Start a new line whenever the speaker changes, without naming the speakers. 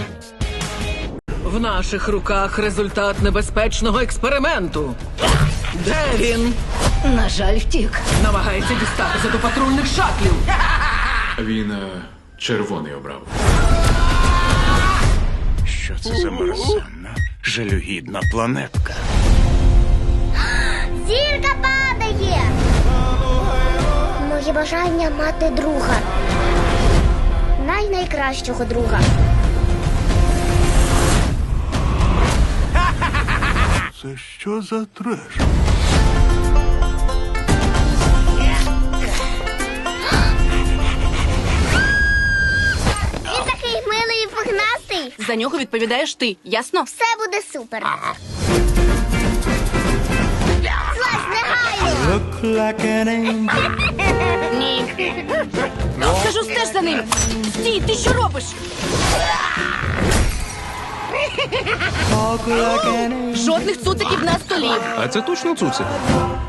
В наших руках результат небезпечного експерименту. Де він?
На жаль, втік.
Намагається дістатися до патрульних шатлів.
Він червоний обрав.
Що це за мерзенна, жалюгідна планетка?
Зірка падає! Моє бажання мати друга. Найкращого друга.
Це що за треш?
Він такий милий і пухнастий.
За нього відповідаєш ти, ясно?
Все буде супер. Злазь негайно!
Ні. Кажу, стеж за ним. Стій, ти що робиш? Жодних цуциків на столі.
А це точно цуцик?